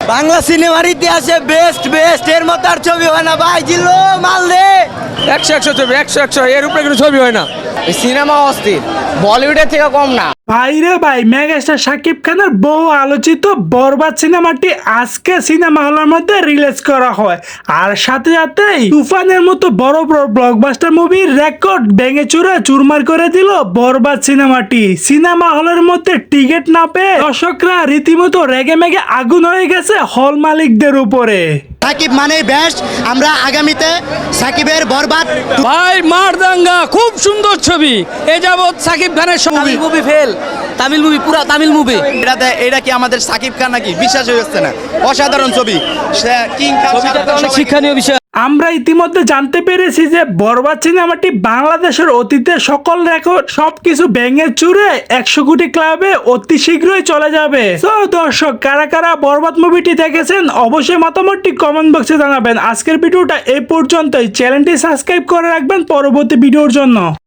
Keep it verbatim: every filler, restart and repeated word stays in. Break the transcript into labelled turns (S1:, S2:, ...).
S1: বাংলা সিনেমার ইতিহাসে best best এর মতো আর ছবি হয় না ভাই। জিল্লো মাল দে।
S2: একশো একশো ছবি, একশো একশো এর উপরে কোনো ছবি হয় না।
S3: সিনেমা অস্থির, বলিউডের থেকে কম না।
S4: ভাইরে ভাই, মেগাস্টার শাকিব খানের বহু আলোচিত বরবাদ সিনেমাটি আজকে সিনেমা হলের মধ্যে রিলিজ করা হয়। আর সাথে সাথেই তুফানের মতো বড় বড় ব্লকবাস্টার মুভির রেকর্ড ভেঙে চুরে চুরমার করে দিল বরবাদ সিনেমাটি। সিনেমা হলের মধ্যে টিকিট না পেয়ে দর্শকরা রীতিমতো রেগে মেগে আগুন হয়ে গেছে হল মালিকদের উপরে।
S1: সাকিব মানে বেস্ট। আমরা আগামীতে সাকিবের বরবাদ
S2: ভাই মারদাঙ্গা খুব সুন্দর ছবি। এ যাবৎ সাকিব খানের ছবি
S3: মুভি ফেল, তামিল মুভি, পুরা তামিল মুভি।
S1: এটাতে এটা কি আমাদের সাকিব খান নাকি? বিশ্বাস হয়ে যাচ্ছে না। অসাধারণ ছবি। সে কিং খান
S2: ছবিটাতে অনেক শিক্ষণীয় বিষয়।
S4: আমরা ইতিমধ্যে জানতে পেরেছি যে বরবাদ সিনেমাটি বাংলাদেশের অতীতের সকল রেকর্ড সবকিছু ভেঙে চুরে একশো কোটি ক্লাবে অতি শীঘ্রই চলে যাবে। তো দর্শক, কারা কারা বরবাদ মুভিটি দেখেছেন অবশ্যই মতামতটি কমেন্ট বক্সে জানাবেন। আজকের ভিডিওটা এই পর্যন্তই। চ্যানেলটি সাবস্ক্রাইব করে রাখবেন পরবর্তী ভিডিওর জন্য।